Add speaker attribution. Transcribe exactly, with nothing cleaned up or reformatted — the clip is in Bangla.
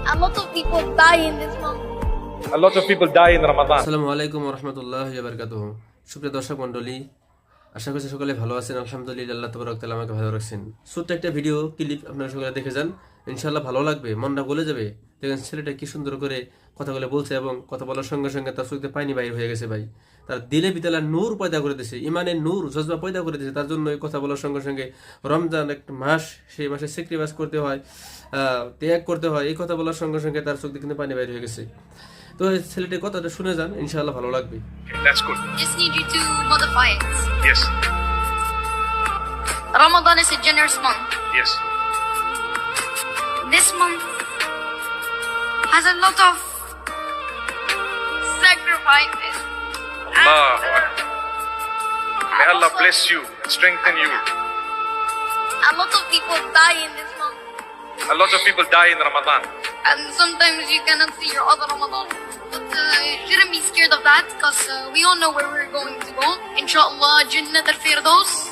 Speaker 1: A lot of people die in this month.
Speaker 2: A lot of people die in Ramadan.
Speaker 3: আসসালামু আলাইকুম ওয়া রাহমাতুল্লাহি ওয়া বারাকাতুহু। সুপ্রিয় দর্শক মণ্ডলী, আশা করছি সকলে ভালো আছেন। আলহামদুলিল্লাহ, আল্লাহ তাবারক তাআলা আমাকে ভালো রাখছেন। ছোট্ট একটা ভিডিও ক্লিপ আপনারা সকলে দেখে যান, ইনশাআল্লাহ ভালো লাগবে, মনটা গলে যাবে। দেখেন ছেলেটা কি সুন্দর করে কথাগুলো বলছে এবং কথা বলার সঙ্গে সঙ্গে তার চোখে পানি বাইর হয়ে গেছে। ভাই, তার দিলে বিতালা নূর পয়দা করে দিয়েছে, ইমানের নূর জজবা পয়দা করে দিয়েছে। তার জন্য এই কথা বলার সঙ্গে সঙ্গে রমজান একটা মাস, সেই মাসে স্যাক্রিফাইস করতে হয়, আহ, ত্যাগ করতে হয়। এই কথা বলার সঙ্গে সঙ্গে তার চোখ দিয়ে কিন্তু পানি বাইর হয়ে গেছে। তো এই ছেলেটির কথাটা শুনে যান, ইনশাআল্লাহ ভালো লাগবে।
Speaker 2: That's good.
Speaker 1: Just need you to modify it.
Speaker 2: Yes.
Speaker 1: Ramadan is a generous month.
Speaker 2: Yes.
Speaker 1: This month has a lot of sacrifices.
Speaker 2: Allah.
Speaker 1: And, uh,
Speaker 2: May Allah
Speaker 1: also,
Speaker 2: bless you and strengthen you.
Speaker 1: A lot of people die in this month.
Speaker 2: A lot of people die in Ramadan.
Speaker 1: And sometimes you cannot see your other Ramadan. But uh, you shouldn't be scared of that because uh, we all know where we're going to go. Inshallah, Jannat al-Firdaus.